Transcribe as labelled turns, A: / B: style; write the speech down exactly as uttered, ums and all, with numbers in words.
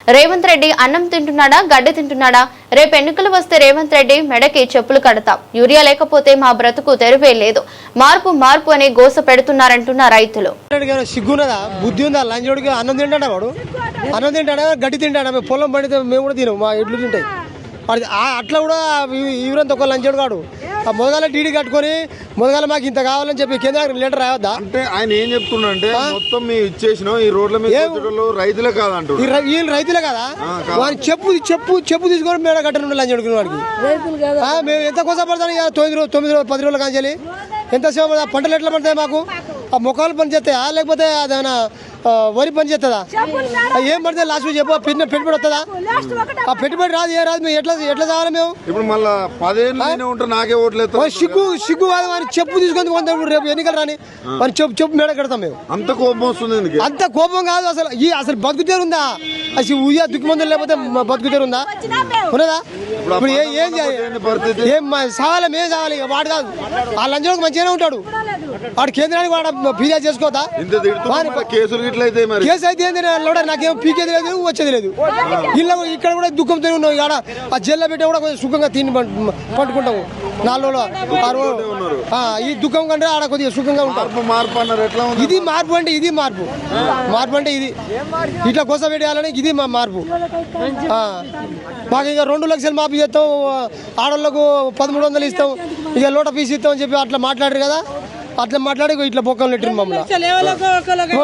A: రేవంత్ రెడ్డి అన్నం తింటున్నాడా గడ్డి తింటున్నాడా? రేపు ఎన్నికలు వస్తే రేవంత్ రెడ్డి మెడకి చెప్పులు కడతాం, యూరియా లేకపోతే మా బ్రతుకు తెరువే లేదు, మార్పు మార్పు అని గోస పెడుతున్నారంటున్న రైతులు.
B: సిగ్గున్నదా, బుద్ధి ఉందా? లంచోడికి అన్నం తింటాడా? వాడు అన్నం తింటాడా గడ్డి తింటాడా? మేము పొలం పడితే మేము కూడా తినం, మా ఎడ్లు తింటాయి. అట్లా కూడా ఈవరంత ఒక లంచోడు కాడు. ఆ మొదగాల టీడీ కట్టుకొని మొదగాల మాకు ఇంత కావాలని చెప్పి కేంద్ర లెటర్ రావద్దా?
C: అంటే ఆయన ఏం చెప్తున్నా అంటే మొత్తం మేము ఇచ్చేసినాం, ఈ రోడ్ల మీద రైతులే కాదంటారు.
B: వీళ్ళు రైతులే కదా, వాడిని చెప్పు చెప్పు చెప్పు తీసుకొని మేడ కట్టను లంచోడుకునే వాడికి. మేము ఎంత కోసం పడతాం? తొమ్మిది రోజు తొమ్మిది రోజు పది రోజులు కాంచాలి. ఎంతసేపు పంటలు ఎట్లా పడతాయి మాకు? ఆ మొక్కలు పని చేస్తాయా లేకపోతే అదేమైనా వరి పని చేస్తుందా? ఏం పడితే లాస్ట్ చెప్పు, పెట్టుబడి వస్తుందా? ఆ పెట్టుబడి రాదు, ఏ రాదు. మేము ఎట్లా ఎట్లా కావాలి? మేము
C: ఇప్పుడు మళ్ళీ పదేళ్ళు ఉంటారు, నాకే ఓట్లేదు.
B: సిగ్గు సిగ్గు కాదు, వారి చెప్పు తీసుకొని కొంత రేపు ఎన్నికలు రాని వారి చెప్పు చెప్పు మేడ కడతాం మేము.
C: అంత కోపం వస్తుంది.
B: అంత కోపం కాదు అసలు. ఈ అసలు బతుకుతేరు ఉందా? అసలు ఉయ్యా దుఃఖమందులు లేకపోతే బతుకుతేరు ఉందా? ఉన్నదా? ఇప్పుడు ఏం చేయాలి? ఏం సావాలి? మేము సావాలి. వాడు కాదు, ఆ లంచోడికి మంచిగానే ఉంటాడు. వాడు కేంద్రానికి వాడు ఫిర్యాదు చేసుకోవద్దా?
C: కేసులు
B: కేసు అయితే ఏంది? నాకేం పీకేది లేదు, వచ్చేది లేదు. ఇల్లు ఇక్కడ కూడా దుఃఖంతో ఉన్నాం. ఇక్కడ ఆ జైల్లో పెట్టే కూడా కొంచెం సుఖంగా తిని పట్టుకుంటాము. నాలుగు రోజులు ఆరు రోజులు ఈ దుఃఖం కంటే ఆడ కొద్దిగా సుఖంగా ఉంటాం.
C: మార్పు అన్నారు, ఎట్లా ఉంది?
B: ఇది మార్పు అంటే ఇది మార్పు. మార్పు అంటే ఇది ఇట్లా కోసం పెట్టేయాలని ఇది మా మార్పు. మాకు ఇక రెండు లక్షలు మాఫీ చేస్తాం, ఆడవాళ్ళకు పదమూడు వందలు ఇస్తాం, ఇక లోట ఫీజు ఇస్తాం అని చెప్పి అట్లా మాట్లాడారు కదా. అట్లా మాట్లాడి ఇట్లా బొక్కలు నెట్టింది మమ్మల్ని.